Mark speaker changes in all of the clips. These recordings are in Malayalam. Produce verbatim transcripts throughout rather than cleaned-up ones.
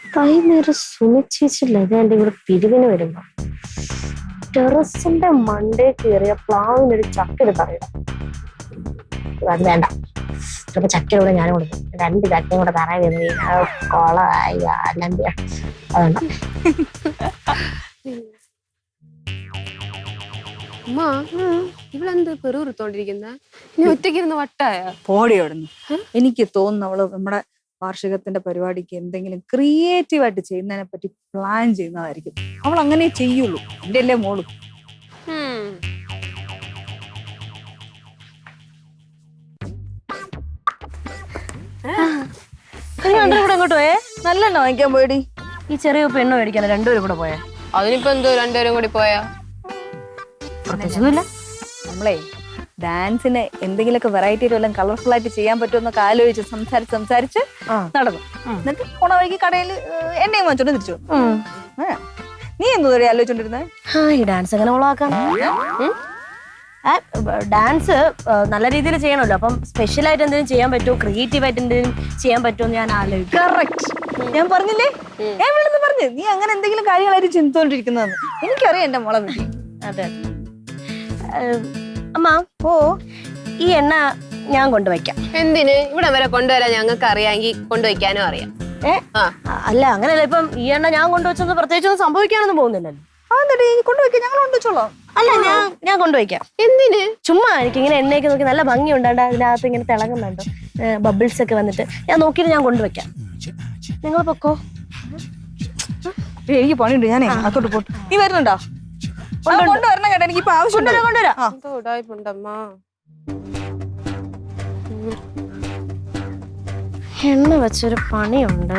Speaker 1: വൈകുന്നേരം സുനിച്ചേച്ചില്ല എന്റെ ഇവിടെ പിരിവിന് വരുമ്പോ ടെറസിന്റെ മണ്ടേ കയറിയ പ്ലാവിനൊരു ചക്കെടുത്ത് അറിയണം. അത് വേണ്ട, ചിലപ്പോ ചക്കയുടെ ഞാനും കൊടുക്കും. രണ്ട് ചക്കയും കൂടെ തറ വീണ് കൊളായി അല്ലാണ്ട് അതുണ്ട.
Speaker 2: ഇവളെന്ത് പെറുത്തോണ്ടിരിക്കുന്ന ഒറ്റയ്ക്കിരുന്ന് വട്ടായ
Speaker 3: പോടി അവിടുന്ന്. എനിക്ക് തോന്നുന്നു അവള് നമ്മുടെ വാർഷികത്തിന്റെ പരിപാടിക്ക് എന്തെങ്കിലും ക്രിയേറ്റീവ് ആയിട്ട് ചെയ്യുന്നതിനെ പറ്റി പ്ലാൻ ചെയ്യുന്നതായിരിക്കും. അവൾ അങ്ങനെ ചെയ്യുള്ളൂ. എന്റെ അല്ലേ മോളും.
Speaker 1: അങ്ങോട്ട് പോയേ
Speaker 3: നല്ലെണ്ണ വാങ്ങിക്കാൻ പോയടി.
Speaker 1: ഈ ചെറിയ പെണ്ണ് മേടിക്കാൻ രണ്ടുപേരും കൂടെ പോയാ
Speaker 2: അതിനിപ്പോ എന്തോ രണ്ടുപേരും കൂടി പോയാ
Speaker 1: പ്രത്യേകിച്ചൊന്നുമില്ല.
Speaker 3: നമ്മളെ ഡാൻസിന് എന്തെങ്കിലുമൊക്കെ വെറൈറ്റി വല്ലതും കളർഫുൾ ആയിട്ട് ചെയ്യാൻ പറ്റുമെന്നൊക്കെ ആലോചിച്ച് സംസാരിച്ച് സംസാരിച്ച് നടന്നു. എന്നിട്ട് പോണ വഴിക്ക് കടയിൽ എണ്ണയും വാങ്ങിച്ചോണ്ട് തിരിച്ചു. നീ എന്തോ ആലോചിച്ചോണ്ടിരുന്നേ?
Speaker 1: ഈ ഡാൻസ് എങ്ങനെ ഓളാക്കാം? ഡാൻസ് നല്ല രീതിയിൽ ചെയ്യണമല്ലോ. അപ്പം സ്പെഷ്യൽ ആയിട്ട് എന്തെങ്കിലും ചെയ്യാൻ പറ്റുമോ, ക്രിയേറ്റീവ് ആയിട്ട് എന്തെങ്കിലും ചെയ്യാൻ പറ്റുമോ എന്ന് ഞാൻ ആലോചിക്കും.
Speaker 3: കറക്റ്റ്. ഞാൻ പറഞ്ഞില്ലേ, ഞാൻ വിളിന്ന് പറഞ്ഞു നീ അങ്ങനെ എന്തെങ്കിലും കാര്യങ്ങളായിട്ട് ചിന്തിച്ചോണ്ടിരിക്കുന്നതെന്ന്. എനിക്കറിയാം എന്റെ മോളെ പറ്റി.
Speaker 1: അതെ അമ്മ, ഓ ഈ എണ്ണ ഞാൻ കൊണ്ടുവയ്ക്കാം.
Speaker 2: എന്തിന്? ഇവിടെ വരെ കൊണ്ടുവരാൻ ഞങ്ങൾക്ക് അറിയാമെങ്കിൽ കൊണ്ടുവയ്ക്കാനും അറിയാം.
Speaker 1: ഏ അല്ല, അങ്ങനെയല്ല. ഇപ്പം ഈ എണ്ണ ഞാൻ കൊണ്ടുവച്ചൊന്നും പ്രത്യേകിച്ചൊന്നും സംഭവിക്കാനൊന്നും പോകുന്നില്ലല്ലോ.
Speaker 3: അതെന്താ കൊണ്ടുവയ്ക്കാം, ഞങ്ങൾ കൊണ്ടുവച്ചോളാം.
Speaker 1: അല്ല, ഞാൻ ഞാൻ കൊണ്ടുവയ്ക്കാം.
Speaker 2: എന്തിന്?
Speaker 1: ചുമ്മാ എനിക്ക് ഇങ്ങനെ എണ്ണയൊക്കെ നോക്കി നല്ല ഭംഗി ഉണ്ടാണ്ട് അതിനകത്ത് ഇങ്ങനെ തിളങ്ങുന്നുണ്ടോ, ബബിൾസ് ഒക്കെ വന്നിട്ട് ഞാൻ നോക്കിയിട്ട് ഞാൻ കൊണ്ടുവയ്ക്കാം. നിങ്ങൾ പൊക്കോ.
Speaker 3: എനിക്ക് പണിയുണ്ട്, ഞാനേ അത്തോട്ട് പോട്ട്. നീ വരുന്നുണ്ടോ? കൊണ്ടുവരണം കേട്ടോ, എനിക്ക് ഇപ്പൊ ആവശ്യം. കൊണ്ടുവരാം.
Speaker 1: എണ്ണ വെച്ചൊരു പണിയുണ്ട്.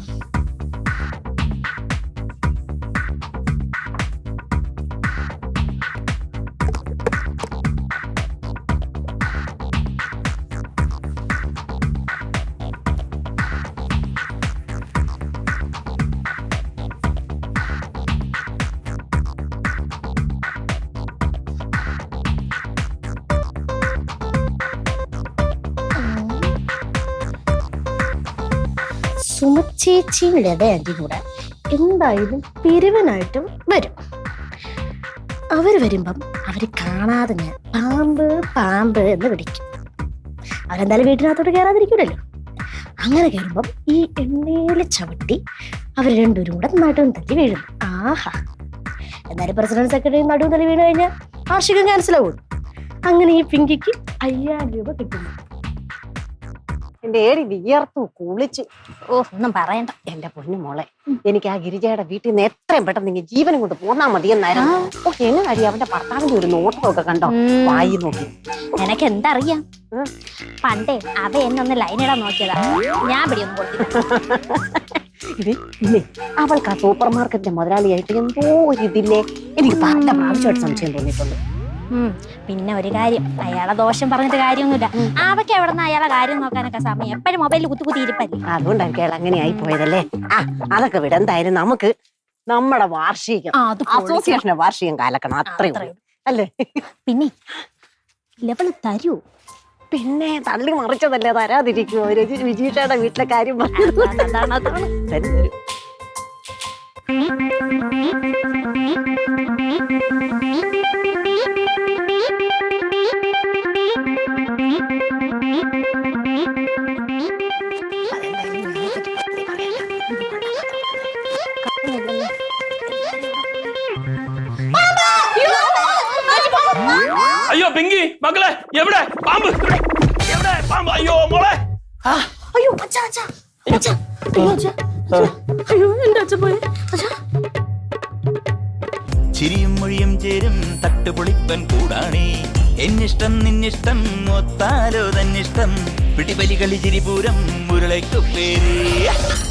Speaker 1: സുമച്ചേച്ചിയും ലത ആന്റി കൂടെ എന്തായാലും പിരിവനായിട്ടും വരും. അവര് വരുമ്പം അവര് കാണാതെ ഞാൻ പാമ്പ് പാമ്പ് എന്ന് വിളിക്കും. അവരെന്തായാലും വീട്ടിനകത്തോട്ട് കയറാതിരിക്കൂലല്ലോ. അങ്ങനെ കയറുമ്പം ഈ എണ്ണയില് ചവിട്ടി അവർ രണ്ടുപേരും കൂടെ നടുവും തല്ലി വീഴുന്നു. ആഹാ, എന്നാലും പ്രസിഡന്റ് സെക്രട്ടറി നടുവും തല്ലി വീണ് കഴിഞ്ഞാൽ വാർഷികം ക്യാൻസൽ ആവും. അങ്ങനെ ഈ പിങ്കിക്ക് അയ്യായിരം രൂപ കിട്ടുന്നു.
Speaker 4: എന്റെ ഏടി വിയർത്തു കുളിച്ചു.
Speaker 1: ഓ, ഒന്നും പറയണ്ട
Speaker 4: എന്റെ പൊന്നു മോളെ, എനിക്ക് ആ ഗിരിജയുടെ വീട്ടിൽ നിന്ന് എത്രയും പെട്ടെന്ന് നിങ്ങൾ ജീവനും കൊണ്ട് പോന്നാ മതി എന്നായിരുന്നു. ഓ, എങ്ങനെ അടി അവന്റെ ഭർത്താവിന്റെ ഒരു നോട്ടമൊക്കെ കണ്ടോ? വായി നോക്കി.
Speaker 5: എനക്ക് എന്തറിയാം, പണ്ടേ അവ എന്നൊന്ന് ലൈനിടാൻ നോക്കിയതാ. ഞാൻ പിടിയൊന്നും കൊടുത്തില്ല.
Speaker 4: ഇത് ഇല്ലേ, അവൾക്ക് ആ സൂപ്പർ മാർക്കറ്റിന്റെ മുതലാളിയായിട്ട് എന്തോ ഒരു ഇതില്ലേ, എനിക്ക് പല പ്രാവശ്യമായിട്ട് സംശയം തോന്നിയിട്ടുണ്ട്.
Speaker 5: പിന്നെ ഒരു കാര്യം, അയാളെ ദോഷം പറഞ്ഞിട്ട് കാര്യമൊന്നുമില്ല. അവക്ക് എവിടെ നിന്ന് അയാളെ കാര്യം നോക്കാനൊക്കെ സമയം, എപ്പോഴും മൊബൈലിൽ കുത്തി കുത്തി ഇരിപ്പല്ലേ.
Speaker 4: അതുകൊണ്ടായിരിക്കും അയാൾ അങ്ങനെ ആയി പോയതല്ലേ. ആ, അതൊക്കെ വിട. എന്തായാലും നമുക്ക് നമ്മുടെ വാർഷികം അസോസിയേഷന്റെ വാർഷികം കാലക്കണം, അത്രയും അല്ലേ?
Speaker 5: പിന്നെ ലെവല് തരൂ.
Speaker 4: പിന്നെ തള്ളി മറിച്ചതല്ലേ, തരാതിരിക്കുമോ? വിജീഷയുടെ വീട്ടിലെ കാര്യം പറഞ്ഞു.
Speaker 6: അയ്യോ പിങ്കി മക്കളെ, എവിടെ പാമ്പ്? എവിടെ പാമ്പ്? അയ്യോ മോളെ.
Speaker 1: അയ്യോ അച്ഛാ, അച്ഛാ, അച്ഛാ, അയ്യോ അച്ഛാ, അയ്യോ എന്റെ അച്ഛൻ പോയി.
Speaker 7: ചിരിയും മൊഴിയും ചേരും തട്ടുപൊളിപ്പൻ കൂടാണേ. എന്നിഷ്ടം നിന്നിഷ്ടം ഒത്താലോ തന്നിഷ്ടം. പിടിപലി കളി ചിരിപൂരം മുരളയ്ക്കു പേര്.